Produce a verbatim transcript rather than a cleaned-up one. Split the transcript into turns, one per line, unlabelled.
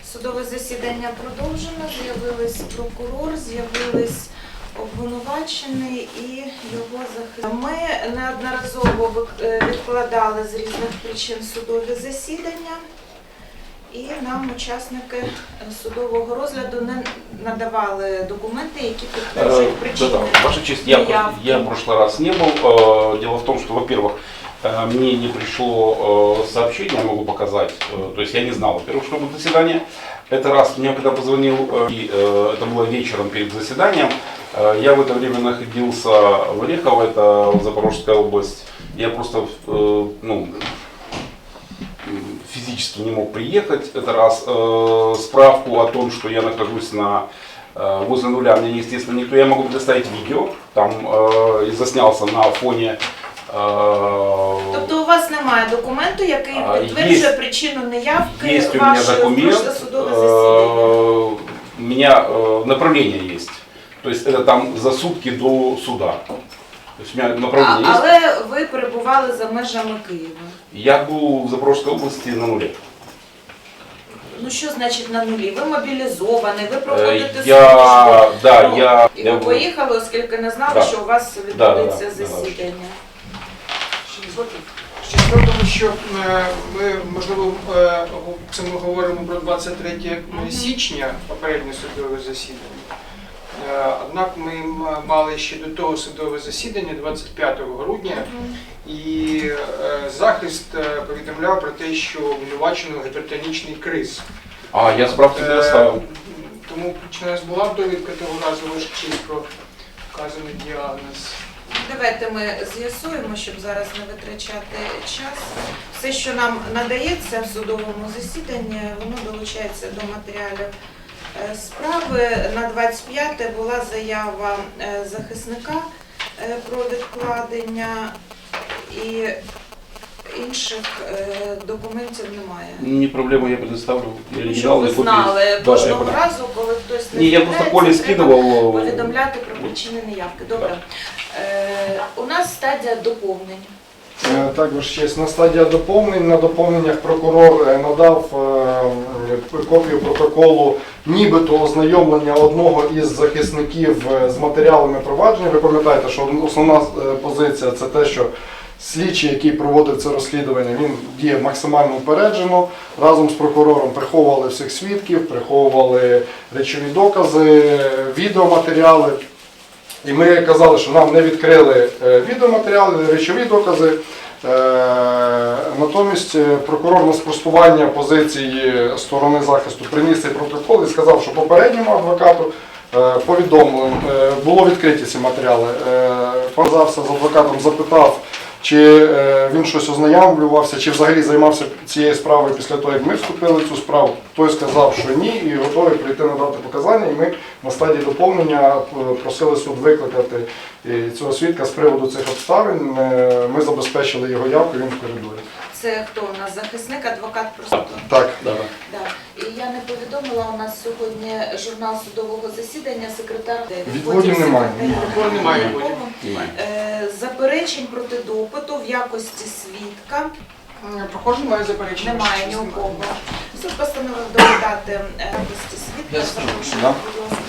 Судове засідання продовжено, з'явились прокурор, з'явились обвинувачений і його захисник. Ми неодноразово відкладали з різних причин судові засідання, і нам учасники судового розгляду не надавали документи, які підтверджують причини.
Да, да. Ваша честь, я, я в прошлый раз не был. Дело в том, что, во-первых, мне не пришло сообщение, я могу показать, то есть я не знал, во-первых, что будет заседание. Это раз, мне когда позвонил, и это было вечером перед заседанием, я в это время находился в Орехово, это Запорожская область, я просто, ну, физически не мог приехать, это раз. Справку о том, что я нахожусь на, возле нуля, мне, естественно, никто, я могу предоставить видео, там заснялся на фоне.
Тобто у вас немає документу, який підтверджує причину неявки вашої прошлого судового засідання?
У меня направление есть. То есть это там за сутки до суда. То есть у меня направление
а,
есть.
Але ви перебували за межами Києва?
Я був в Запорожской области на нулі.
Ну що значить на нулі? Ви мобілізований, ви проходите
я,
службу.
Да,
ну,
я,
і
я
ви
був...
поїхали, оскільки не знали,
да.
що у вас відбудеться
да, да,
засідання.
Да,
Ще справа в тому, що ми, можливо, це ми говоримо про двадцять третє січня, попереднє судове засідання. Однак ми мали ще до того судове засідання двадцять п'ятого грудня, і захист повідомляв про те, що обвинувачено гіпертонічний криз.
А, я справки не оставив.
Тому причина нас була довідка того разу, ваша честь, про вказаний діагноз.
Давайте ми з'ясуємо, щоб зараз не витрачати час. Все, що нам надається в судовому засіданні, воно долучається до матеріалів справи. На двадцять п'яте була заява захисника про відкладення, і інших документів немає.
Не проблема, я предоставлю.
Я щоб ви знали кожного да, разу, коли хтось не
Ні, я просто Колі скидував.
Повідомляти про причини неявки. Добре. Е, у нас стадія доповнень.
Так, Ваша честь, на стадія доповнень. На доповненнях прокурор надав копію протоколу нібито ознайомлення одного із захисників з матеріалами провадження. Ви пам'ятаєте, що основна позиція – це те, що слідчий, який проводив це розслідування, він діє максимально упереджено. Разом з прокурором приховували всіх свідків, приховували речові докази, відеоматеріали. І ми казали, що нам не відкрили відеоматеріали, речові докази. Натомість прокурор на спростування позиції сторони захисту приніс цей протокол і сказав, що попередньому адвокату повідомлено, було відкриті ці матеріали. Зв'язався з адвокатом, запитав, чи він щось ознайомлювався, чи взагалі займався цією справою після того, як ми вступили в цю справу. Той сказав, що ні, і готовий прийти надати показання. І ми на стадії доповнення просили суд викликати цього свідка з приводу цих обставин. Ми забезпечили його явку, він в коридорі.
Це хто у нас? Захисник, адвокат просто?
Так.
Да. Да. І я не повідомила, у нас сьогодні журнал судового засідання, секретар...
Відводів немає.
Відводів немає.
Е, заперечень проти допиту в якості свідка.
Прохожий має заперечення.
Немає ні у кого. Суд постановив довідати в якості свідка. Запрошую, будь ласка.